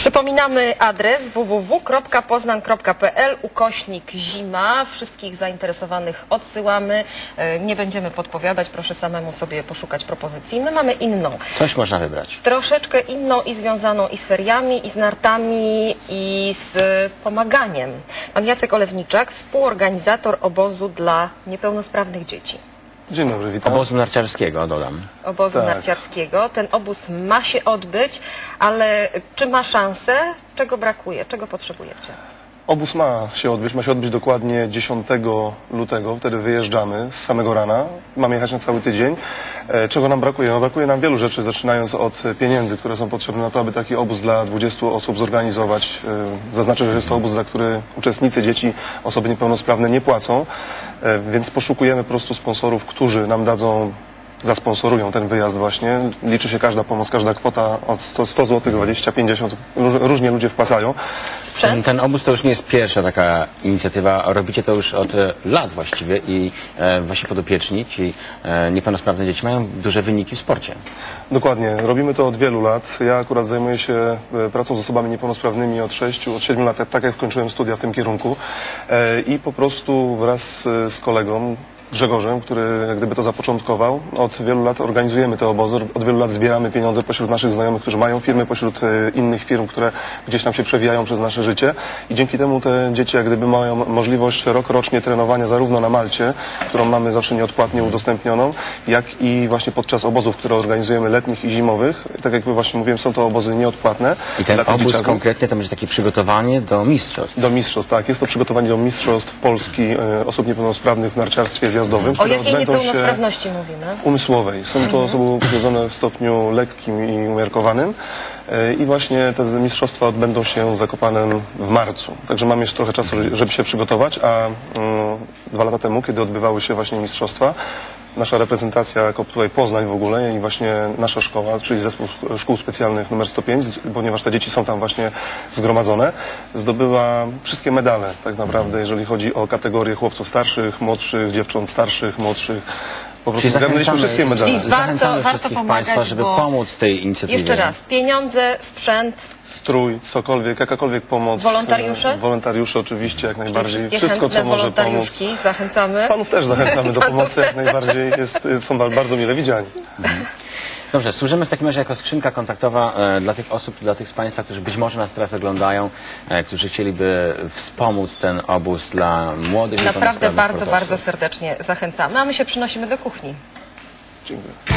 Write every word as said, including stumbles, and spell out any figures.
Przypominamy adres w w w kropka poznan kropka p l ukośnik zima. Wszystkich zainteresowanych odsyłamy. Nie będziemy podpowiadać, proszę samemu sobie poszukać propozycji. My mamy inną. Coś można wybrać. Troszeczkę inną i związaną i z feriami, i z nartami, i z pomaganiem. Pan Jacek Olewniczak, współorganizator obozu dla niepełnosprawnych dzieci. Dzień dobry, witam. Obozu narciarskiego, dodam. Obozu Tak. narciarskiego. Ten obóz ma się odbyć, ale czy ma szansę? Czego brakuje? Czego potrzebujecie? Obóz ma się odbyć, ma się odbyć dokładnie dziesiątego lutego, wtedy wyjeżdżamy z samego rana, mamy jechać na cały tydzień. E, czego nam brakuje? No, brakuje nam wielu rzeczy, zaczynając od pieniędzy, które są potrzebne na to, aby taki obóz dla dwudziestu osób zorganizować. E, zaznaczę, że jest to obóz, za który uczestnicy, dzieci, osoby niepełnosprawne nie płacą, e, więc poszukujemy po prostu sponsorów, którzy nam dadzą, zasponsorują ten wyjazd właśnie. Liczy się każda pomoc, każda kwota od sto złotych, dwadzieścia, pięćdziesiąt, różnie ludzie wpłacają. Ten, ten obóz to już nie jest pierwsza taka inicjatywa, robicie to już od e, lat właściwie i e, wasi podopieczni, ci e, niepełnosprawne dzieci mają duże wyniki w sporcie. Dokładnie, robimy to od wielu lat. Ja akurat zajmuję się e, pracą z osobami niepełnosprawnymi od sześciu, od siedmiu lat, tak jak skończyłem studia w tym kierunku e, i po prostu wraz z, z kolegą Grzegorzem, który jak gdyby to zapoczątkował. Od wielu lat organizujemy te obozy, od wielu lat zbieramy pieniądze pośród naszych znajomych, którzy mają firmy, pośród e, innych firm, które gdzieś tam się przewijają przez nasze życie i dzięki temu te dzieci jak gdyby mają możliwość rok rocznie trenowania zarówno na Malcie, którą mamy zawsze nieodpłatnie udostępnioną, jak i właśnie podczas obozów, które organizujemy letnich i zimowych. Tak jak właśnie mówiłem, są to obozy nieodpłatne. I ten obóz dzieciaków. konkretnie to będzie takie przygotowanie do mistrzostw. Do mistrzostw, tak. Jest to przygotowanie do mistrzostw Polski e, osób niepełnosprawnych w narciarstwie zjazdowym. O jakiej niepełnosprawności mówimy? Umysłowej. Są to osoby upośledzone w stopniu lekkim i umiarkowanym i właśnie te mistrzostwa odbędą się w Zakopanem w marcu. Także mamy jeszcze trochę czasu, żeby się przygotować, a um, dwa lata temu, kiedy odbywały się właśnie mistrzostwa, nasza reprezentacja jako tutaj Poznań w ogóle i właśnie nasza szkoła, czyli zespół szkół specjalnych numer sto pięć, ponieważ te dzieci są tam właśnie zgromadzone, zdobyła wszystkie medale tak naprawdę, jeżeli chodzi o kategorie chłopców starszych, młodszych, dziewcząt starszych, młodszych. Po prostu zgarnęliśmy wszystkie medale. Czyli warto, Zachęcamy warto wszystkich pomagać, Państwa, żeby bo... pomóc tej inicjatywie. Jeszcze raz, pieniądze, sprzęt, strój, cokolwiek, jakakolwiek pomoc. Wolontariusze? Wolontariusze oczywiście, jak najbardziej. Wszystkie Wszystko, co może pomóc. wolontariuszki zachęcamy. Panów też zachęcamy do pomocy, jak najbardziej. Jest, są bardzo mile widziani. Dobrze, służymy w takim razie jako skrzynka kontaktowa e, dla tych osób, dla tych z Państwa, którzy być może nas teraz oglądają, e, którzy chcieliby wspomóc ten obóz dla młodych. Naprawdę bardzo, sportowców. bardzo serdecznie zachęcamy, a my się przynosimy do kuchni. Dziękuję.